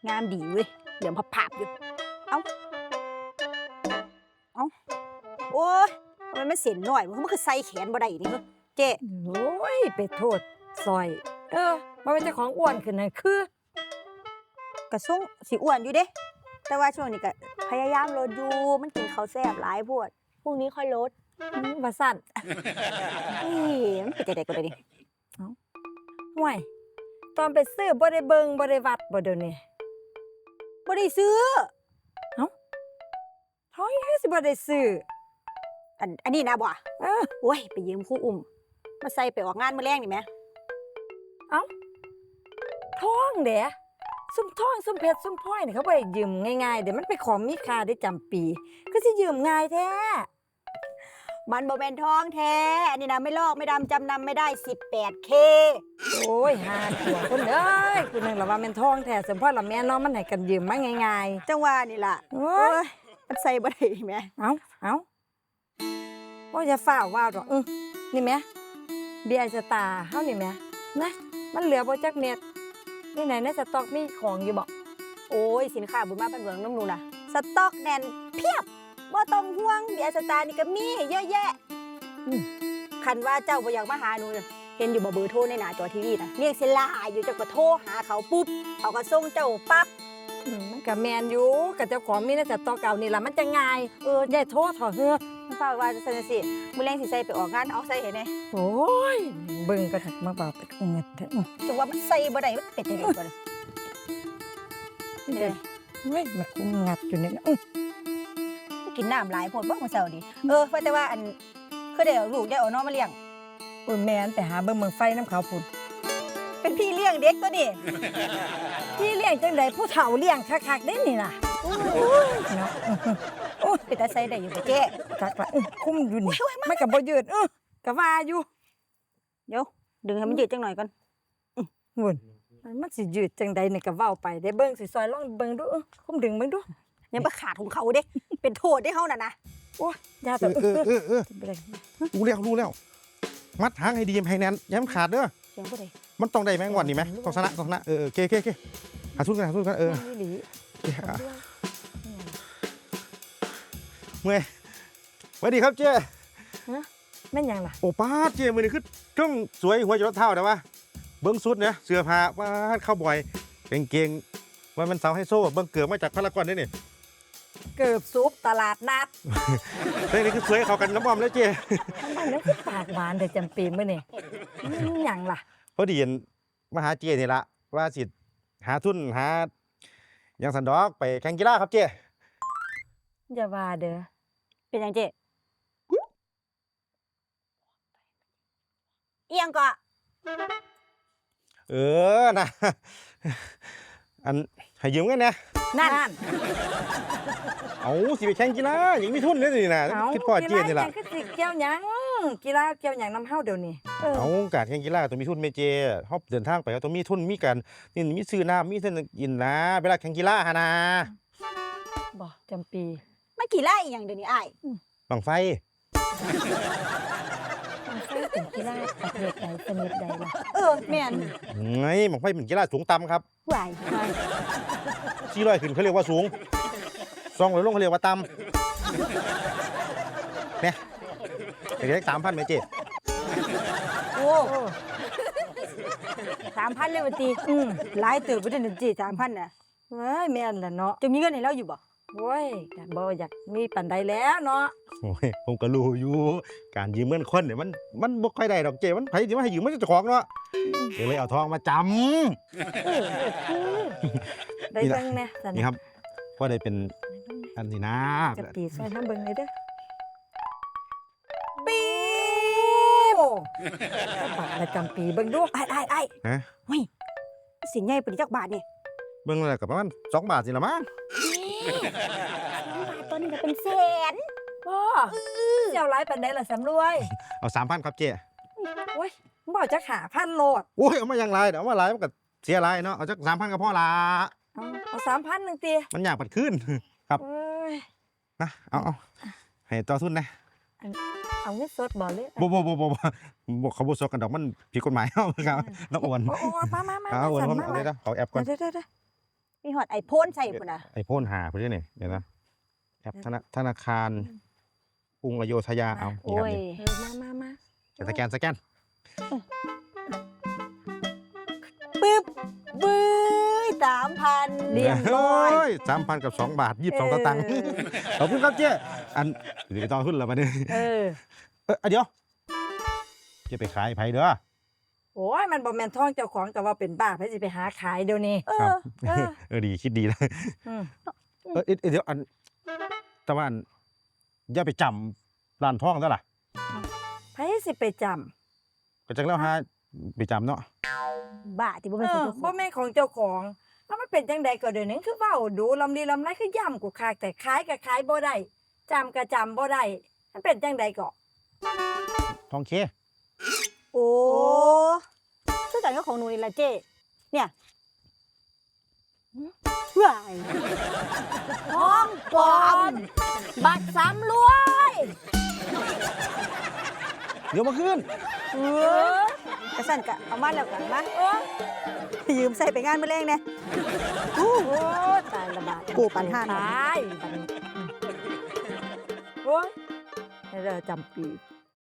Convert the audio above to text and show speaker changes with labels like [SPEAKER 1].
[SPEAKER 1] งามดีเว้ยเหลือมพับๆอยู่เอ้าเอ้าโอ้ยทำไมมันเส้นน้อยมันคือใส่แขนบ่ได้นี่เจ๊
[SPEAKER 2] โอ้ยไปโทษซอยบ่เป็นเจ้าของอ้วนขึ้นนั่นคือก
[SPEAKER 1] ระส่งสิอ้วนอยู่เด้แต่ว่าช่วงนี้ก็พยายามลดอยู่มันกินข้าวแซ่บหลายโพดพรุ่งนี้ค่อยลด
[SPEAKER 2] ว่าสั่น
[SPEAKER 1] เฮ้ยมันเป็นจังได๋ก็ได้นี่
[SPEAKER 2] ห่วยตอนไปซื้อบ่ได้เบิ่งบ่ได้วัดบ่เดี๋ยวนี้
[SPEAKER 1] บ่ได้ซื้อ
[SPEAKER 2] ท้อยคือสิบ่ได้ซื้อ
[SPEAKER 1] อันนี้นะบ่
[SPEAKER 2] เออ
[SPEAKER 1] โอ้ยไปยืมครูอุ้มมาใส่ไปออกงานมื้อแรงนี่แหม
[SPEAKER 2] ท้องเด้ซุ่มท้องซุ่มเพชรซุ่มพลอยนี่เขาบ่ได้ยืมง่ายๆเด้มันเป็นของมีค่าได้จำปีคือสิยืมง่ายแท้
[SPEAKER 1] มันบ่แม่นทองแท้อันนี้นะไม่ลอกไม่ดำจำนำไม่ได้ 18K
[SPEAKER 2] โอ้ยหาตัวคนเอ้ยกูนึกแล้วว่าแม่นท้องแท้สมพรละแม่น้องมันให้กันยืมมาง่าย
[SPEAKER 1] จังว่านี่ล่ะ
[SPEAKER 2] ๆโอ้
[SPEAKER 1] โอ้
[SPEAKER 2] ย
[SPEAKER 1] ยมันใส่บ่ได้แหม
[SPEAKER 2] เอาโอ้ยอย่าฝ่าว่าวดอกนี่แหมเบียร์สตาร์เฮานี่แหมนะมันเหลือบ่จักเม็ดนี่ไหนในสต็อกมีของอยู่บ่
[SPEAKER 1] โอ้ยสินค้าบุญมาเป็นเมืองน้ำนูน่ะสต็อกแน่นเพียบบ่ต้องห่วงเบียร์สตาร์นี่ก็มีเยอะแยะคันว่าเจ้าบ่อยากมาหาหนูน่ะเห็นอยู่บ่เบอร์โทรในหน้าจอทีวีน่ะเรียกสิลาอยู่เจ้าก็โทรหาเขาปุ๊บเขาก็ส่งเจ้าปั๊บ
[SPEAKER 2] มันก็แม่นอยู่กับเจ้าของมีในสต็อกเก่านี่ล่ะมันจะง่ายอย่าโทษเถอะเฮ้อ
[SPEAKER 1] มันฝากว่าซั่นสิมื้อแรงสิใส่ไปออกงานเอาใส่ให้แหน่
[SPEAKER 2] โอ้ยเบิ่งก็ถักมาเบาไปคงเงินเถอะ
[SPEAKER 1] จังว่ามันใส่บ่ได้มันเป็นจังได๋บ่ล่ะ
[SPEAKER 2] เด้เว้ยมันคงงัดอยู่นี่นะ
[SPEAKER 1] กินน้ำหลายโพดบ่มื้อเช้านี้ว่าแต่ว่าอันคือได้เอาลูกได้เอาน้องมาเลี้ยง
[SPEAKER 2] โอ้ยแม่นไปหาเบิ่งเมืองไฟน้ำเขาพุ่น
[SPEAKER 1] เป็นพี่เลี้ยงเด็กตัวนี้
[SPEAKER 2] พี่เลี้ยงจังไดผู้เฒ่าเลี้ยงคักๆเด้นี่ล่ะเนาะ
[SPEAKER 1] โอ้ยเป็นตาใส่ได้อยู่บ่เจ๊
[SPEAKER 2] คักละคุ้มอยู่นี่มันก็บ่ยืดก็ว่าอยู่
[SPEAKER 1] เดี๋ยวดึงให้มันยืดจังหน่อยก่อน
[SPEAKER 2] หุ่นมันสิยืดจังใดนี่ก็เว้าไปได้เบิ่งสิซอยลองเบิ่งดูคุ้มดึงเบิ่งดู
[SPEAKER 1] ยังบ่ขาดของเขาเด้ เป็นโทษได้เฮาน่ะนะ
[SPEAKER 2] โอ้ยยาแต่
[SPEAKER 3] รู้แล้วมัดหางให้ดีให้แน่นอย่าให้มันขาดเด้อ
[SPEAKER 1] เสียงบ่ได้
[SPEAKER 3] มันต้องได้แมงวันนี่ไหมต้องชนะโอเคหาทุนกัน
[SPEAKER 2] นี่หลี
[SPEAKER 3] เมื่อยสวัสดีครับเจ้
[SPEAKER 2] แม่นหยังล่ะ
[SPEAKER 3] โอ้ป้าเจ้มือนี่คือต้องสวยหัวจรดเท้าแต่ว่าเบิ้งสุดเนี่ยเสื้อผ้าป้าเข้าบ่อยเก่งว่ามันเสาให้โซ่เบิ้งเกือบมาจากพารากอนได้นี่
[SPEAKER 2] เกิบซุปตลาดนัด
[SPEAKER 3] เรื่องนี้คือสวยเข้ากันน้ำมันแล้วเจ้
[SPEAKER 2] ทำไมแล้วคือปากหวานแต่จำปีมื้อนี่หยังล่ะ
[SPEAKER 3] พอดีมาหาเจ้นี่ละว่าสิหาทุนหาอย่างสันดอกไปแข่งกีฬาครับเจ้
[SPEAKER 2] อย่าว่าเด้อ
[SPEAKER 1] เป็นหยังเจ๊เอียงก็
[SPEAKER 3] นะ อันให้ยืมกันนะ
[SPEAKER 2] นั่น
[SPEAKER 3] เอาสิไปแข่งกีฬาอย่างมีทุนเลยนี่นะคิดพ่อเจียนนี่ล่ะ
[SPEAKER 2] กีฬาคือสิเกี่ยวหยังกีฬาเกี่ยวหยังนำเฮาเดี๋ยวนี้
[SPEAKER 3] เอาการแข่งกีฬาต้องมีทุนเมเจเฮาเดินทางไปก็ต้องมีทุนมีการนี่มีซื้อน้ำมีเส้นกินนะเวลาแข่งกีฬาหานะ
[SPEAKER 2] บ่จำปี
[SPEAKER 1] มันกี่ไล่อีหยังเดี๋ยวนี้อ้าย
[SPEAKER 3] บังไฟ
[SPEAKER 2] มันเคยเป็นกีฬาประเภทใดชนิดใดล่ะ
[SPEAKER 1] แม่น
[SPEAKER 3] ไงบังไฟเป็นกีฬาสูงต่ำครับ
[SPEAKER 1] หวาย
[SPEAKER 3] 400ขึ้นเขาเรียกว่าสูง200ลงเขาเรียกว่าต่ำเนี่ยเด็กๆ3,000เมเจ
[SPEAKER 1] โอ้3,000เลยว่าติหลายเติบบ่ได้นั่นจิ3,000น่ะ
[SPEAKER 2] เว้ยแม่นล่ะเนาะ
[SPEAKER 1] จะมีเงินให้เราอยู่บ่
[SPEAKER 2] โว้ยก็บ่อยากมีปานใดแล้วเนาะ
[SPEAKER 3] โอ้ยผมก็รู้อยู่การยืมเงินคนเนี่ยมันบ่ค่อยได้ดอกเจมันไผสิมาให้ยืมมันเจ้าของเนาะก็เลยเอาทองมาจำ
[SPEAKER 2] ได้เบิ่งแน่ซั่น
[SPEAKER 3] นี่ครับก็ได้เป็นอันนี้นะ
[SPEAKER 2] จะปีซอยทำเบิ่งเลยเด้อ
[SPEAKER 1] ปี
[SPEAKER 2] โอ้บาทประจำปีเบิ่งดู
[SPEAKER 1] อ้าย
[SPEAKER 3] ฮะ
[SPEAKER 1] เฮ้ยสินใหญ่ปานนี้จักบาทนี่
[SPEAKER 3] เบิ่งแล้วก็ประมาณ2 บาทสิละมั้ง
[SPEAKER 1] บาทตัวนึงก็เป็นแสน
[SPEAKER 2] บ่เจ้าหลายปานใดล่ะสำรวย
[SPEAKER 3] เอา 3,000 ครับเจ๊
[SPEAKER 2] โอ้ยบ่จักหาพันโลด
[SPEAKER 3] โอ้ยเอามาอย่างไรเดี๋ยวเอามาหลายมันก็เสียหลายเนาะเอาจัก 3,000ก็พอละ
[SPEAKER 2] เอา3,000นึงติ
[SPEAKER 3] มันอยากปัดขึ้น ครับ
[SPEAKER 2] เอ้ย
[SPEAKER 3] นะเอาให้ต่อทุนนะ
[SPEAKER 2] เอาเงินสดบ่เลย
[SPEAKER 3] บ่เขาบ่ซอกกันดอกมันผิดกฎหมาย เอาครับน้องอ้วน
[SPEAKER 2] โอ้มา
[SPEAKER 3] เอาอ้วน
[SPEAKER 2] สั่น
[SPEAKER 3] เอาเลยนะขอแอปก่อน
[SPEAKER 2] เด้อ
[SPEAKER 1] มีฮอดไอโฟนใส่พุ่นน่ะ
[SPEAKER 3] ไอโฟนหาพุ่นนี่เดี๋ยวนะแอปธนาคารกรุงอโยธยาเอานี่
[SPEAKER 1] โอ้
[SPEAKER 3] ครับ
[SPEAKER 1] ย
[SPEAKER 3] นี่
[SPEAKER 2] มา
[SPEAKER 3] สแกน
[SPEAKER 1] ปึ๊บบื้ย3,000
[SPEAKER 2] เรียบร้อย
[SPEAKER 3] โ3,000กับ2 บาท22สตางค์ขอบคุณครับเจ๊อันเดี๋ยวต้องขึ้นแล้วมาเนี่ย
[SPEAKER 2] เออ
[SPEAKER 3] เดี๋ยวเจะไปขายไผเด้อ
[SPEAKER 2] โอ้ยมันบ่แม่นท้องเจ้าของแต่ว่าเป็นบ้าไผสิไปหาขายเดี๋ยวนี้
[SPEAKER 1] เอ
[SPEAKER 3] ครั
[SPEAKER 1] อบ
[SPEAKER 3] ดีคิดดีนะ
[SPEAKER 2] อืม
[SPEAKER 3] เดี๋ยวอันแต่ว่าอันอย่าไปจำร้านทองซะล่ะ
[SPEAKER 2] ไผสิไปจำ
[SPEAKER 3] ก็จังแล้วฮะไปจำเนาะ
[SPEAKER 1] บ้าที่บ่
[SPEAKER 2] เอ
[SPEAKER 1] เป็นของ
[SPEAKER 2] อ
[SPEAKER 1] เจ้าข
[SPEAKER 2] บ่
[SPEAKER 1] อง
[SPEAKER 2] แม่นของเจ้าของแล้วมันเป็นจังใดก็เดี๋ยวนี้คือเว้าดูลำลีลำไรคือย่ำกูคากแต่ขายก็ขายบ่ได้จำก็จำบ่ได้มันเป็นจังใดก็
[SPEAKER 3] ทองเค
[SPEAKER 1] โอ้คือกันกับของหนูนี่ล่ะเจ้เนี่ยว้ายทองปลอมบัตร3รวย
[SPEAKER 3] เดี๋ยวมาขึ้น
[SPEAKER 1] กระสั่นกะเอามาแล้วกันมายืมใส่ไปงานมื้อแรงแน่
[SPEAKER 2] โอ้ตายละบาด
[SPEAKER 1] กูปันห้าหน่อย
[SPEAKER 2] ตายโอ้ยให้เราจำปี